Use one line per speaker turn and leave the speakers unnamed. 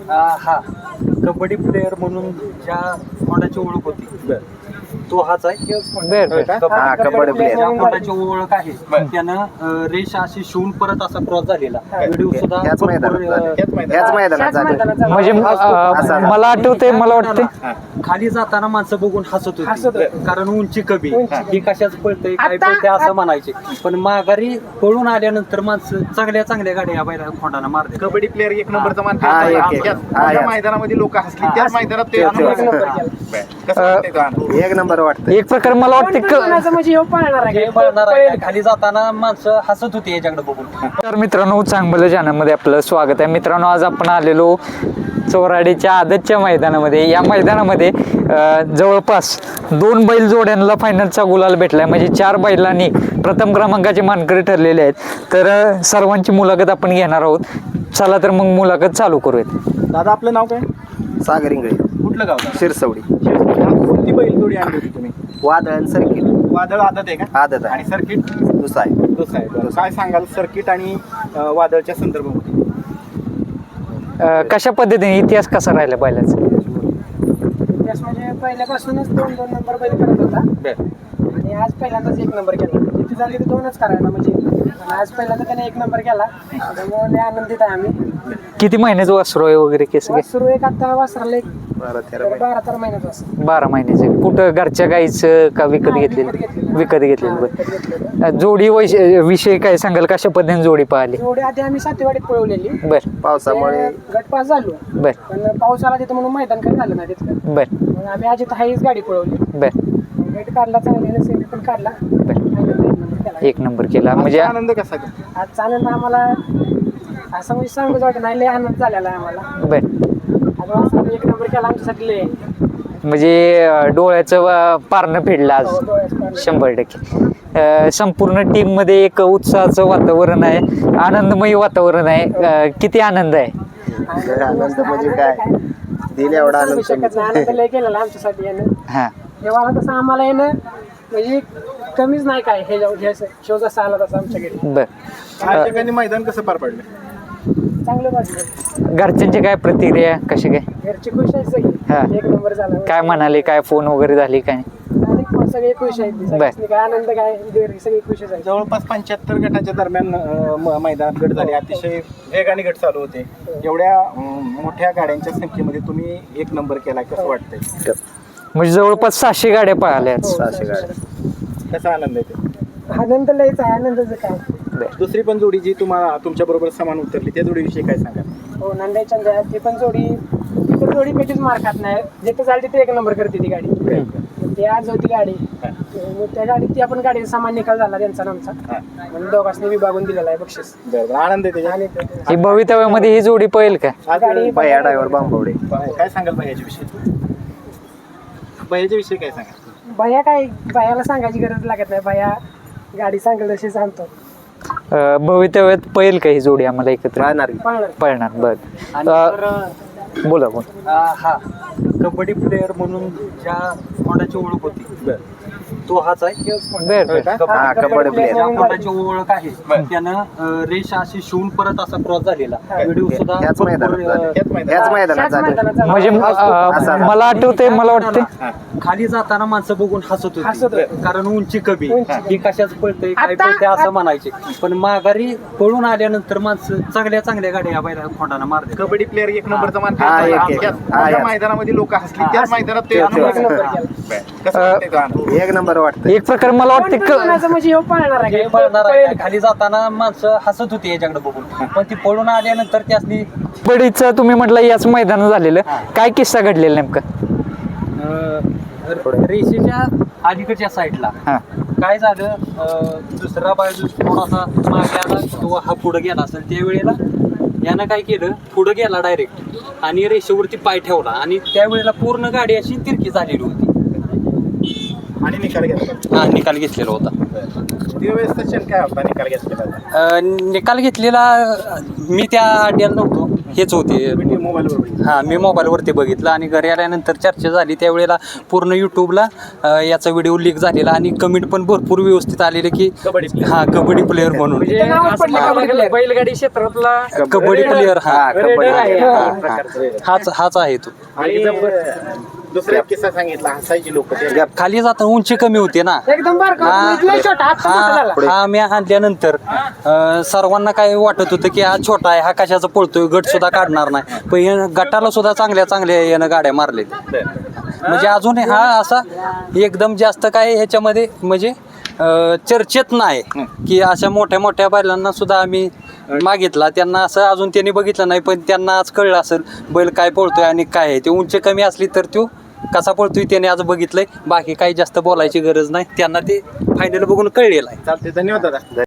हा कबड्डी प्लेअर म्हणून ज्या कोणाची ओळख होती तो हाच आहे.
कबड्डी प्लेअर
ज्या कोणाची ओळख आहे त्यानं रेष अशी शिवून परत असा क्रॉस झालेला व्हिडिओ सुद्धा
ह्याच मैदानात झालं.
म्हणजे मला आठवते, मला वाटते
खाली जाताना माणसं बघून हसत होती कारण उंची कमी ही कशाच पळतंय काय पळतंय असं म्हणायचे. पण माघारी पळून आल्यानंतर माणसं चांगल्या चांगल्या गाड्या या बैला खोंडाना मारते.
कबड्डी प्लेअर एक नंबरचा मान मैदानामध्ये लोक हसली त्याच मैदानात ते
एक नंबर वाटतं.
एक प्रकार मला वाटते
हे पळणार आहे. खाली जाताना माणसं हसत होती याच्याकडे बघून.
तर मित्रांनो, चांगलं चॅनलमध्ये आपलं स्वागत आहे. मित्रांनो, आज आपण आलेलो चोराडीच्या आदतच्या मैदानामध्ये. या मैदानामध्ये जवळपास 2 बैल जोड्यांना फायनलचा गुलाल भेटलाय. म्हणजे 4 बैलांनी प्रथम क्रमांकाचे मानकरी ठरलेले आहेत. तर सर्वांची मुलाखत आपण घेणार आहोत. चला तर मग मुलाखत चालू करूयात.
दादा, आपलं नाव काय?
सागर इंगळे,
कुठलं गाव?
शिरसवडी.
कोणती बैल जोडी आणली होती तुम्ही?
वादळ सर्किट.
वादळ आदत आहे का?
आदत आहे.
आणि सर्किट
दुसरा आहे.
काय सांगाल सर्किट आणि वादळच्या संदर्भामध्ये?
कशा पद्धतीने इतिहास कसा राहिला बैलाचा?
इतिहास म्हणजे पहिल्यापासूनच 2-2 नंबर बैल करत होता आणि आज पहिल्यांदाच 1 नंबर केला. जिथे झाली तर 2च करायला म्हणजे, आणि आज पहिल्यांदा त्याने 1 नंबर केला. त्यामुळे लय आनंदित आहे आम्ही.
किती महिन्याचं वासरू आहे वगैरे केस?
सुरू एक आता वासराला 12-13 महिन्यात वासर.
12 महिन्याचं. कुठं घरच्या गाईचं का विकत घेतलेलं? विकत घेतलेलं. जोडी विषय काय सांगाल? कशा पद्धतीने जोडी पाहिली?
जोडी आधी आम्ही सातेवाडीत पळवलेली.
बर.
पावसामुळे
गट पास झालो.
बर.
पण पाऊस आला तिथं म्हणून मैदान काही झालं नाही तिथलं.
बर.
मग आम्ही आज इथं हाईच गाडी पळवली.
बर.
गट काढला चांगल्याने, सेमी पण काढला.
बर.
केला.
1 नंबर केला. म्हणजे
आनंद कसा?
आजचा आनंद आम्हाला असं म्हणजे सांगूच वाटत नाही, लय आनंद झालेला आहे आम्हाला.
बर.
आज वासराने 1 नंबर केला आमच्यासाठी लय.
म्हणजे डोळ्याचं पारणं फेडलं आज 100%. संपूर्ण टीम मध्ये एक उत्साहाचं वातावरण आहे, आनंदमयी वातावरण आहे. किती आनंद आहे?
आनंद म्हणजे काय, दिले एवढा आनंद.
आनंद लय केलेला आमच्यासाठी यानं.
हा.
जेव्हा तसं आम्हाला येणं म्हणजे कमीच नाही काय. हे शो जसा आला तसा आमच्याकडे.
बर.
या ठिकाणी मैदान कसं पार पडलं?
चांगलं वाटलं.
घरच्यांची काय प्रतिक्रिया, कशी काय?
घरची खुश आहे सगळी.
हा.
1 नंबर झाला.
काय म्हणाले? काय फोन वगैरे झाली काय?
आणि सगळे खुश आहेत.
बर.
काय आनंद काय, सगळे खुशच आहेत.
जवळपास 75 गटाच्या दरम्यान मैदानात गट झाले. अतिशय वेगाने गट चालू होते. एवढ्या मोठ्या गाड्यांच्या संख्येमध्ये तुम्ही 1 नंबर केला, कसं वाटतंय?
म्हणजे जवळपास 600 गाड्या पळाल्या.
600 गाड्या.
कसा आनंद आहे ते?
आनंद लयच आहे. आनंदाचं काय.
दुसरी पण जोडी जी तुम्हाला तुमच्या बरोबर समान उतरली त्या जोडीविषयी काय सांगा?
हो, नंदाई चंद्र ती पण जोडी पेटीच मार खात नाही. जिथे जाईल तिथे 1 नंबर करते ती गाडी. ती आज होती गाडी. मग त्या गाडीत ती आपण गाडीचा सामान निकाल झाला त्यांचा आमचा. म्हणून दोघांनी विभागून दिलेला आहे बक्षीस.
आनंद आहे
आणि
ही भवितव्यामध्ये ही जोडी पळेल का?
भैया ड्रायव्हर बांबवडे.
काय सांगाल भैयाच्या विषयी? भैयाच्या विषयी काय सांगाल?
भैयाला सांगायची गरज लागत नाही. भैया गाडी सांगेल तशी सांगतो.
भवितव्यात पळेल का ही जोडी आम्हाला एकत्र? पळणार. बर. बोला.
हा कबड्डी प्लेअर म्हणून ज्या कोणाची ओळख होती तो हाच आहे.
कबड्डी प्लेअर.
ज्या कोणाची ओळख आहे त्यानं रेष अशी शिवून परत असा क्रॉस झालेला व्हिडिओ सुद्धा
ह्याच मैदानात झालं.
म्हणजे मला आठवते, मला वाटते
खाली जाताना माणसं बघून हसत होती कारण उंची कमी ही कशाच पळतंय काय पळतंय असं म्हणायचे. पण माघारी पळून आल्यानंतर माणसं चांगल्या चांगल्या गाड्या या बैला खोंडाना मारते.
कबड्डी प्लेअर 1 नंबरचा मान मैदानामध्ये लोक हसली त्याच मैदानात ते
1 नंबर वाटतं.
एक प्रकार मला वाटते
म्हणजे
हे पळणार आहे. खाली जाताना माणसं हसत होती याच्याकडे बघून. पण ती पळून आल्यानंतर त्यासनी
कबड्डीचं तुम्ही म्हटलं याच मैदानात झालेलं. काय किस्सा घडलेला नेमका?
रेषेच्या अलीकडच्या साईडला काय झालं, दुसरा बाजू थोडासा मागे आला किंवा हा पुढे गेला असेल त्यावेळेला यानं काय केलं, पुढे गेला डायरेक्ट आणि रेषेवरती पाय ठेवला आणि त्यावेळेला पूर्ण गाडी अशी तिरकी झालेली होती
आणि निकाल घेतला.
हा निकाल घेतलेला होता.
काय होता निकाल घेतलेला?
निकाल घेतलेला मी त्या अड्ड्याला नव्हतो. हेच होते.
मोबाईलवर
हां, मी मोबाईलवरती बघितलं आणि घरी आल्यानंतर चर्चा झाली त्यावेळेला पूर्ण यूट्यूबला याचा व्हिडिओ लीक झालेला आणि कमेंट पण भरपूर व्यवस्थित आलेले की
कबड्डी player.
हां कबड्डी प्लेअर म्हणून
म्हणजे नावच पडलं कबड्डी player.
बैलगाडी क्षेत्रातला
कबड्डी प्लेअर
हा, कबड्डी
आहे.
हा,
हाच आहे तो.
आणि दुसरा एक किस्सा सांगितला, हसायची लोक
खाली जाताना उंची कमी होते ना.
एकदम बारका होता, लय छोटा हात मोठा झाला.
हा मी आणल्यानंतर सर्वांना काय वाटत होतं की हा छोटा आहे, हा कशाचा पळतोय, गट सुद्धा काढणार नाही. पण यानं गटाला सुद्धा चांगल्या यानं गाड्या मारले. म्हणजे अजून हा असा एकदम जास्त काय ह्याच्यामध्ये म्हणजे चर्चेत नाही की अशा मोठ्या बैलांना सुद्धा आम्ही मागितला, त्यांना असं अजून त्यांनी बघितलं नाही. पण त्यांना आज कळलं असेल बैल काय पळतोय आणि काय आहे ते. उंची कमी असली तर तो कसा पळतोय त्याने आज बघितलंय. बाकी काही जास्त बोलायची गरज नाही, त्यांना ते फायनल बघून कळलेलं आहे.
चालते. धन्यवाद दादा.